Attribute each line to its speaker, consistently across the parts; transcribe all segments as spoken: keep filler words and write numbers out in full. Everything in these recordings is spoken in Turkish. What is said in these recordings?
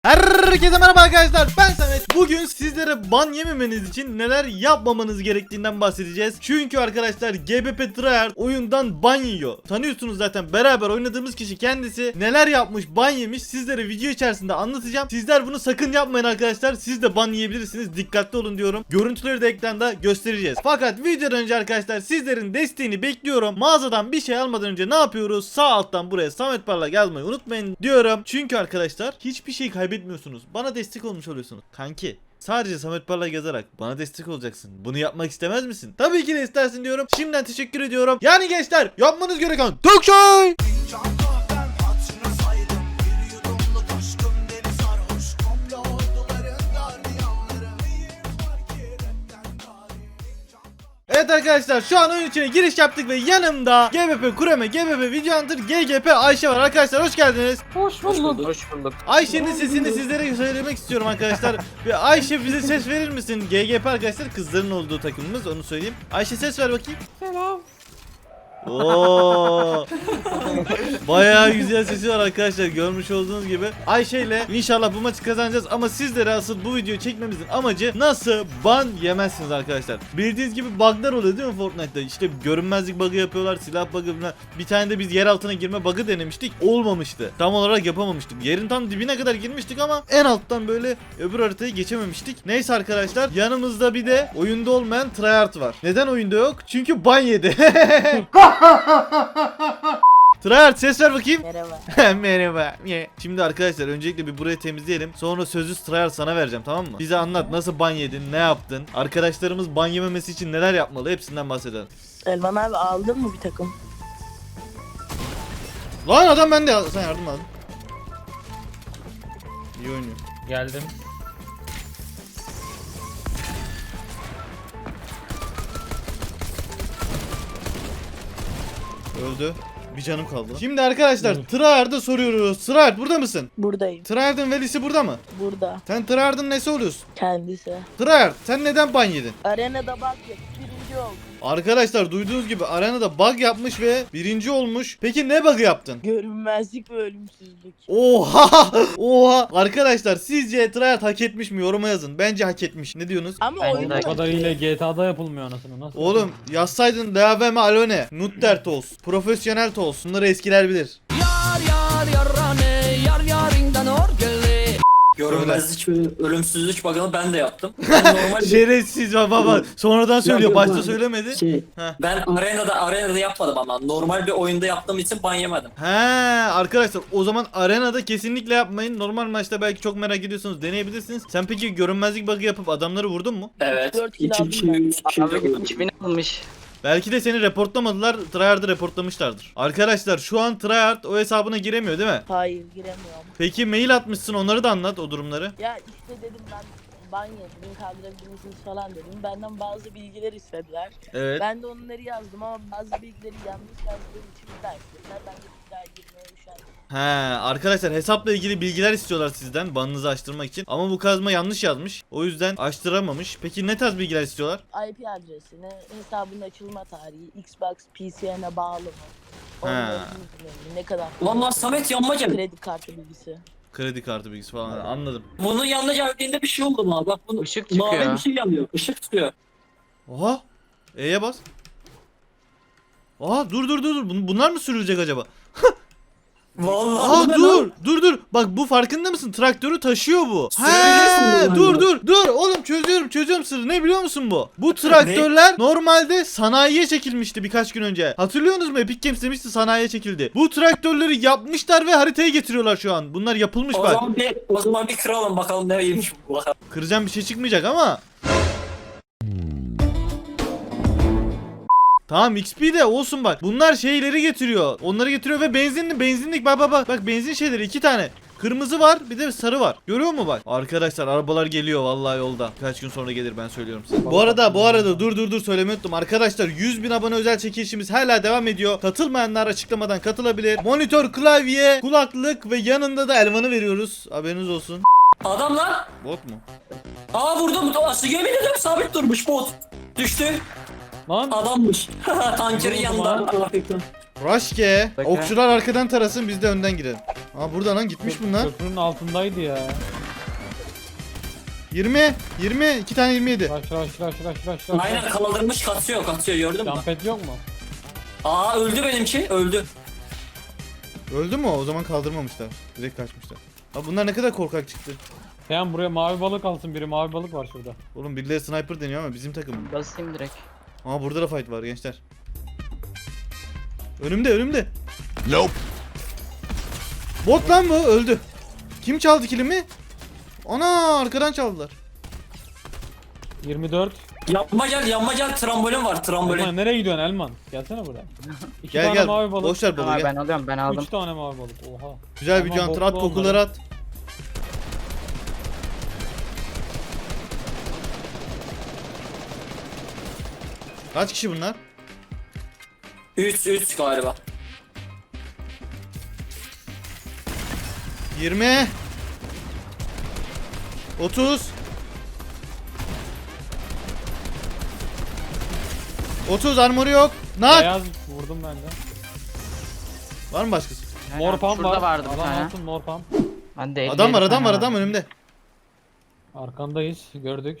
Speaker 1: Herkese merhaba arkadaşlar, ben Samet. Bugün sizlere ban yememeniz için neler yapmamanız gerektiğinden bahsedeceğiz. Çünkü arkadaşlar G B P Tryhard oyundan ban yiyor. Tanıyorsunuz zaten, beraber oynadığımız kişi kendisi. Neler yapmış, ban yemiş, sizlere video içerisinde anlatacağım. Sizler bunu sakın yapmayın arkadaşlar. Siz de ban yiyebilirsiniz, dikkatli olun diyorum. Görüntüleri de ekranda göstereceğiz. Fakat videodan önce arkadaşlar sizlerin desteğini bekliyorum. Mağazadan bir şey almadan önce ne yapıyoruz? Sağ alttan buraya Samet Parlak yazmayı unutmayın diyorum. Çünkü arkadaşlar hiçbir şey kaybetmiyorsunuz. Bana destek olmuş oluyorsunuz. Kanki, sadece Samet Parlak yazarak bana destek olacaksın. Bunu yapmak istemez misin? Tabii ki de istersin diyorum. Şimdiden teşekkür ediyorum. Yani gençler, yapmanız gereken tek şey. Evet arkadaşlar, şu an oyun içine giriş yaptık ve yanımda G B P Kureme, G B P Video Hunter, G G P Ayşe var arkadaşlar, hoş geldiniz.
Speaker 2: Hoş bulduk. Hoş bulduk.
Speaker 1: Ayşe'nin sesini sizlere söylemek istiyorum arkadaşlar. Ve Ayşe, bize ses verir misin? G G P arkadaşlar kızların olduğu takımımız, onu söyleyeyim. Ayşe, ses ver bakayım.
Speaker 2: Selam.
Speaker 1: Oo. Bayağı güzel sesi var arkadaşlar, görmüş olduğunuz gibi. Ayşe ile inşallah bu maçı kazanacağız ama sizlere asıl bu videoyu çekmemizin amacı nasıl ban yemezsiniz arkadaşlar. Bildiğiniz gibi bug'lar oluyor değil mi Fortnite'da? İşte görünmezlik bug'ı yapıyorlar, silah bug'ı falan. Bir tane de biz yer altına girme bug'ı denemiştik. Olmamıştı. Tam olarak yapamamıştık. Yerin tam dibine kadar girmiştik ama en alttan böyle öbür haritayı geçememiştik. Neyse arkadaşlar, yanımızda bir de oyunda olmayan Tryhard var. Neden oyunda yok? Çünkü ban yedi. Tryhard, ses ver bakayım.
Speaker 2: Merhaba.
Speaker 1: Merhaba. Şimdi arkadaşlar öncelikle bir burayı temizleyelim. Sonra sözü Tryhard sana vereceğim, tamam mı? Bize anlat, nasıl ban yedin, ne yaptın? Arkadaşlarımız ban yememesi için neler yapmalı, hepsinden bahsedelim.
Speaker 2: Elman abi aldın mı bir takım?
Speaker 1: Lan adam bende, sen yardım al. İyi oynuyor.
Speaker 3: Geldim.
Speaker 1: Öldü. Bir canım kaldı. Şimdi arkadaşlar Tryhard'a soruyoruz. Tryhard, burada mısın?
Speaker 2: Buradayım.
Speaker 1: Tryhard'ın velisi burada mı?
Speaker 2: Burada.
Speaker 1: Sen Tryhard'ın nesi oluyorsun?
Speaker 2: Kendisi.
Speaker 1: Tryhard, sen neden ban yedin?
Speaker 2: Arenada bak ya. Birinci oldum.
Speaker 1: Arkadaşlar duyduğunuz gibi arenada bug yapmış ve birinci olmuş. Peki ne bug'ı yaptın?
Speaker 2: Görünmezlik ve ölümsüzlük.
Speaker 1: Oha! Oha! Arkadaşlar sizce Tryhard hak etmiş mi? Yoruma yazın. Bence hak etmiş. Ne diyorsunuz?
Speaker 2: Ama
Speaker 3: Ben
Speaker 2: oyun
Speaker 3: o kadarıyla G T A'da yapılmıyor anasını. Nasıl?
Speaker 1: Oğlum yazsaydın Deaveme Alone, Nutter Toz, Profesyonel Toz. Bunları eskiler bilir.
Speaker 4: Yar yar yarane yar yarinden orgeli. Görünmezlik ve ölümsüzlük bug'ını ben de yaptım. Ben normal
Speaker 1: Şerefsiz baba baba. Sonradan söylüyor.
Speaker 4: yok,
Speaker 1: Başta
Speaker 4: yok.
Speaker 1: söylemedi.
Speaker 4: şey,
Speaker 1: Heh.
Speaker 4: ben arenada arenada yapmadım ama normal bir oyunda yaptığım için ban yemedim.
Speaker 1: He arkadaşlar, o zaman arenada kesinlikle yapmayın. Normal maçta belki çok merak ediyorsanız deneyebilirsiniz. Sen peki görünmezlik bug'ı yapıp adamları vurdun mu?
Speaker 4: Evet.
Speaker 2: dört kill
Speaker 4: İki
Speaker 2: aldım
Speaker 4: kişi,
Speaker 2: ben.
Speaker 4: üç kişi
Speaker 5: Abi
Speaker 4: vurdum.
Speaker 5: kimin almış?
Speaker 1: Belki de seni reportlamadılar, Tryhard'ı reportlamışlardır. Arkadaşlar şu an Tryhard o hesabına giremiyor değil mi?
Speaker 2: Hayır giremiyorum.
Speaker 1: Peki mail atmışsın, onları da anlat, o durumları.
Speaker 2: Ya işte dedim ben ban yedim, kaldırabilir misiniz falan dedim. Benden bazı bilgiler istediler.
Speaker 1: Evet.
Speaker 2: Ben de onları yazdım ama bazı bilgileri yanlış yazdığım için bir daha istediler. Ben de bir daha girmeye üşendim.
Speaker 1: He arkadaşlar, hesapla ilgili bilgiler istiyorlar sizden, banınızı açtırmak için. Ama bu kazma yanlış yazmış. O yüzden açtıramamış. Peki ne tarz bilgiler istiyorlar?
Speaker 2: I P adresini, hesabın açılma tarihi, Xbox P C'ne bağlı mı? Onların bilgilerini, ne kadar
Speaker 4: Ulan lan Samet yanmaca.
Speaker 2: kredi kartı bilgisi.
Speaker 1: Kredi kartı bilgisi falan, anladım.
Speaker 4: Bunun yanlış verdiğinde bir şey oldu mu abi? Bak bunu
Speaker 5: Işık
Speaker 4: mavi
Speaker 5: çıkıyor.
Speaker 4: bir şey yanıyor. Işık tutuyor.
Speaker 1: Oha. E'ye bas. Oha, dur dur dur dur. Bun- Bunlar mı sürülecek acaba?
Speaker 4: Vallahi
Speaker 1: Aa
Speaker 4: bu ne
Speaker 1: dur
Speaker 4: lan?
Speaker 1: dur dur. Bak bu, farkında mısın? Traktörü taşıyor bu.
Speaker 4: Sürebilirsin
Speaker 1: He,
Speaker 4: bunu
Speaker 1: dur
Speaker 4: yani.
Speaker 1: dur dur. Oğlum çözüyorum çözüyorum sırrı. Ne biliyor musun bu? Bu traktörler normalde sanayiye çekilmişti birkaç gün önce. Hatırlıyorsunuz mu? Epic Games demişti sanayiye çekildi. Bu traktörleri yapmışlar ve haritaya getiriyorlar şu an. Bunlar yapılmış
Speaker 4: O
Speaker 1: bak.
Speaker 4: zaman bir o zaman bir kıralım bakalım nereymiş bu bakalım.
Speaker 1: Kıracağım bir şey çıkmayacak ama. Tamam, X P de olsun bak. Bunlar şeyleri getiriyor. Onları getiriyor ve benzinli benzinlik bak bak bak. Bak benzin şeyleri iki tane. Kırmızı var, bir de sarı var. Görüyor musun bak? Arkadaşlar arabalar geliyor vallahi yolda. Kaç gün sonra gelir, ben söylüyorum size. Bu arada bu arada dur dur dur söylemeyi unuttum. Arkadaşlar yüz bin abone özel çekilişimiz hala devam ediyor. Katılmayanlar açıklamadan katılabilir. Monitör, klavye, kulaklık ve yanında da elmanı veriyoruz. Haberiniz olsun.
Speaker 4: Adam lan.
Speaker 1: Bot mu?
Speaker 4: Aa vurdum. Aslı yemin ederim sabit durmuş bot. Düştü.
Speaker 3: Lan
Speaker 4: Adammış. Tankerin
Speaker 3: Vurdum
Speaker 4: yanında.
Speaker 3: ha.
Speaker 4: Allah bekle.
Speaker 1: Raşke.
Speaker 5: Bakın.
Speaker 1: Okçular arkadan tarasın, biz de önden girelim. Aa burada lan, gitmiş bunlar.
Speaker 3: köprünün altındaydı ya.
Speaker 1: yirmi. yirmi. iki tane yirmi yedi.
Speaker 3: Rush rush rush rush rush rush.
Speaker 4: Aynen kaldırmış kasıyor kasıyor gördün mü?
Speaker 3: Jumpet yok mu?
Speaker 4: Aa öldü benimki öldü.
Speaker 1: Öldü mü o? O zaman kaldırmamışlar. Direkt kaçmışlar. Abi bunlar ne kadar korkak çıktı.
Speaker 3: Sen buraya mavi balık alsın biri, mavi balık var şurada.
Speaker 1: Oğlum birileri sniper deniyor ama bizim takım.
Speaker 5: Basayım direkt.
Speaker 1: Aa burada da fight var gençler. Önümde önümde.
Speaker 6: Nope.
Speaker 1: Bot lan bu öldü. Kim çaldı kilimi? Ana arkadan çaldılar.
Speaker 3: yirmi dört.
Speaker 4: Yanma gel yanma gel trambolin var
Speaker 3: Elman
Speaker 4: trambolin.
Speaker 3: nereye gidiyorsun Elman? Gelsene buraya. İki
Speaker 1: Gel
Speaker 3: tane
Speaker 1: gel.
Speaker 3: mavi balık.
Speaker 1: Boş ver balığı
Speaker 5: Tamam
Speaker 1: gel.
Speaker 5: ben alıyorum ben aldım.
Speaker 3: Üç tane mavi balık. Oha.
Speaker 1: Güzel bir
Speaker 3: Elman
Speaker 1: counter at
Speaker 3: boklu
Speaker 1: kokuları
Speaker 3: onları.
Speaker 1: at. Kaç kişi bunlar?
Speaker 4: üç üç galiba.
Speaker 1: yirmi. otuz. otuz armoru yok. Nak.
Speaker 3: Beyaz vurdum ben de.
Speaker 1: Var mı başkası?
Speaker 3: Mor pump
Speaker 5: Şurada
Speaker 3: var.
Speaker 5: vardı bir
Speaker 3: Adam
Speaker 5: tane.
Speaker 3: alsın mor pump.
Speaker 5: Ben de elli
Speaker 1: Adam var
Speaker 5: yedi
Speaker 1: adam
Speaker 5: tane
Speaker 1: var adam önümde.
Speaker 3: Arkandayız. Gördük.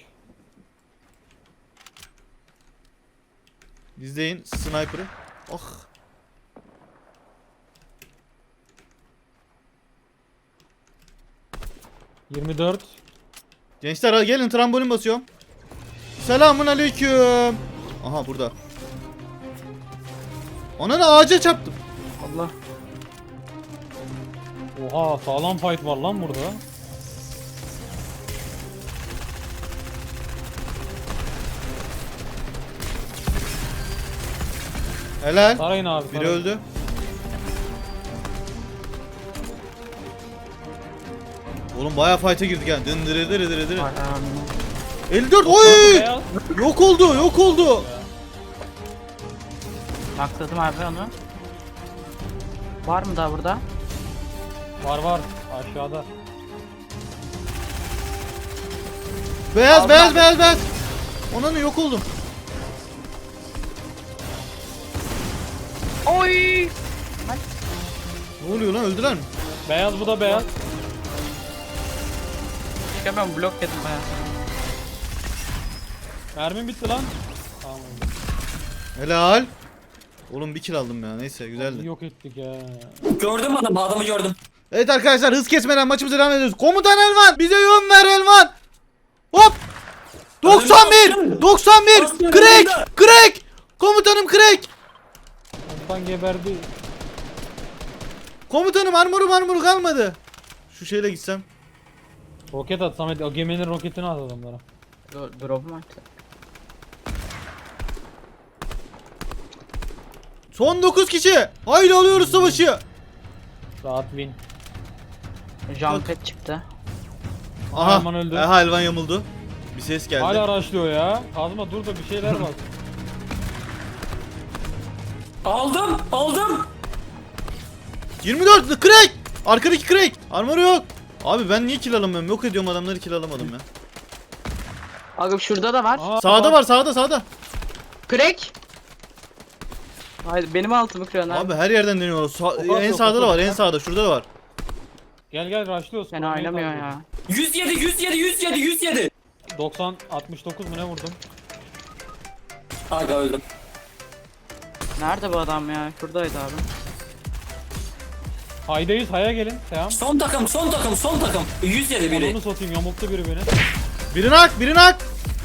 Speaker 1: İzleyin sniper'ı. Ah.
Speaker 3: yirmi dört.
Speaker 1: Gençler hadi gelin trambolin basıyorum. Selamun aleyküm. Aha burada. Ona da ağaca çarptım.
Speaker 5: Allah.
Speaker 3: Oha sağlam fight var lan burada.
Speaker 1: Helal.
Speaker 3: Sarayın abi.
Speaker 1: Biri
Speaker 3: sarayın.
Speaker 1: öldü. Oğlum bayağı fight'a girdik yani. Dındırı dırı dırı dırı.
Speaker 5: Var,
Speaker 1: elli dört. Oy!
Speaker 3: Beyaz.
Speaker 1: Yok oldu, yok oldu.
Speaker 5: Akladım abi onu. Var mı daha burada?
Speaker 3: Var var aşağıda.
Speaker 1: Beyaz,
Speaker 5: Aldım
Speaker 1: beyaz,
Speaker 5: abi.
Speaker 1: beyaz, beyaz. Ona ne yok oldum.
Speaker 5: Oy!
Speaker 1: Ne oluyor lan? Öldüler mi?
Speaker 3: Beyaz bu da beyaz.
Speaker 5: Çıkamıyorum blok yedim baya.
Speaker 3: Mermim bitti lan. Tamam.
Speaker 1: Helal. Oğlum bir kill aldım ya. Neyse güzeldi.
Speaker 3: Yok ettik ya.
Speaker 4: Gördün mü adamı adamı gördüm.
Speaker 1: Evet arkadaşlar hız kesmeden maçımıza devam ediyoruz. Komutan Elvan bize yön ver Elvan. Hop. doksan bir. doksan bir. Crack. Crack. Komutanım crack.
Speaker 3: Ondan geberdi.
Speaker 1: Komutanım armoru armoru kalmadı. Şu şeyle gitsem.
Speaker 3: Roket at Samet. O geminin roketini at adamlara.
Speaker 5: Drop mu attı?
Speaker 1: Son dokuz kişi. Haydi alıyoruz savaşı.
Speaker 3: Rahat win.
Speaker 5: Jumpet çıktı.
Speaker 1: Aha.
Speaker 3: Elvan öldü.
Speaker 1: Aha Elvan yamuldu. Bir ses geldi.
Speaker 3: Hala araşlıyor ya. Kazma dur da bir şeyler var.
Speaker 4: Aldım aldım.
Speaker 1: yirmi dört crack. Arkadaki crack. Armoru yok. Abi ben niye kill alamıyorum? Yok ediyorum adamları kill alamadım ya.
Speaker 5: Abi şurada da var.
Speaker 3: Aa,
Speaker 1: Sağda
Speaker 3: bak.
Speaker 1: var sağda sağda.
Speaker 5: Crack! Hayır benim altımı kırıyorsun abi.
Speaker 1: Abi her yerden deniyor. Sa-
Speaker 3: Opa,
Speaker 1: en
Speaker 3: opa,
Speaker 1: sağda da var
Speaker 3: opa.
Speaker 1: en sağda şurada da var.
Speaker 3: Gel gel rushlıyoruz.
Speaker 5: Fena oynamıyor ya.
Speaker 4: yüz yedi yüz yedi yüz yedi yüz yedi.
Speaker 3: doksan altmış dokuz mu ne vurdum?
Speaker 4: Aga öldüm.
Speaker 5: Nerede bu adam ya? Şuradaydı abi.
Speaker 3: Haydayız haya gelin. Selam.
Speaker 4: Son takım son takım son takım. yüz yedi biri.
Speaker 3: Onu satayım yamulttu biri beni.
Speaker 1: Biri nak biri nak.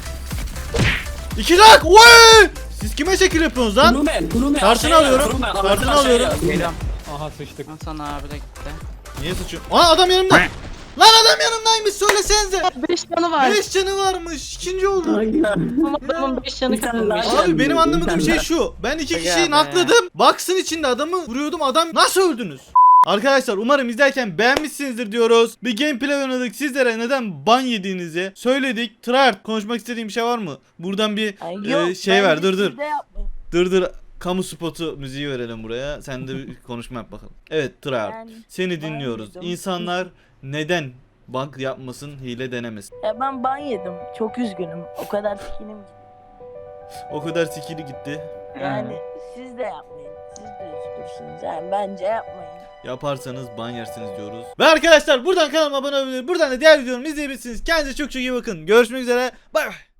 Speaker 1: İki nak. Oy! Siz kime şekil yapıyorsunuz lan?
Speaker 4: Kurume kurume.
Speaker 1: Kartını
Speaker 4: aşağıya,
Speaker 1: alıyorum.
Speaker 4: kurume,
Speaker 1: Kartını
Speaker 4: aşağıya.
Speaker 1: alıyorum.
Speaker 5: Geliyorum.
Speaker 3: Aha sıçtık.
Speaker 5: Hasan abi de gitti.
Speaker 1: Niye sıçıyorsun? Aa adam yanımda. Lan adam yanımdaymış söylesenize.
Speaker 5: beş canı var.
Speaker 1: beş canı varmış. İkinci oldu.
Speaker 5: Adamın beş canı
Speaker 4: Bir tane
Speaker 5: kalmış.
Speaker 4: daha
Speaker 1: Abi benim anlamadığım
Speaker 4: Bir
Speaker 1: şey
Speaker 4: tane
Speaker 1: şu. Ben iki
Speaker 5: Aga
Speaker 1: kişiyi
Speaker 5: be.
Speaker 1: nakladım. Box'ın içinde adamı vuruyordum. Adam nasıl öldünüz? Arkadaşlar umarım izlerken beğenmişsinizdir diyoruz. Bir gameplay oynadık. Sizlere neden ban yediğinizi söyledik. Tryhard konuşmak istediğim bir şey var mı? Buradan bir
Speaker 2: Ay,
Speaker 1: e,
Speaker 2: yok,
Speaker 1: şey
Speaker 2: bence
Speaker 1: ver dur dur.
Speaker 2: siz de yapmayın.
Speaker 1: Dur dur. Kamu spotu müziği verelim buraya. Sen de bir konuşma yap bakalım. Evet Tryhard.
Speaker 2: Ben-
Speaker 1: Seni dinliyoruz.
Speaker 2: yedim.
Speaker 1: İnsanlar neden bug yapmasın, hile denemesin?
Speaker 2: Ya ben ban yedim. Çok üzgünüm. O kadar sikinim.
Speaker 1: O kadar sikili gitti.
Speaker 2: Yani siz de yapmayın. Siz de üzgünsünüz. Yani bence yapmayın.
Speaker 1: yaparsanız ban yersiniz diyoruz. Ve arkadaşlar buradan kanalıma abone olabilir. Buradan da diğer videolarımı izleyebilirsiniz. Kendinize çok çok iyi bakın. Görüşmek üzere. Bay bay.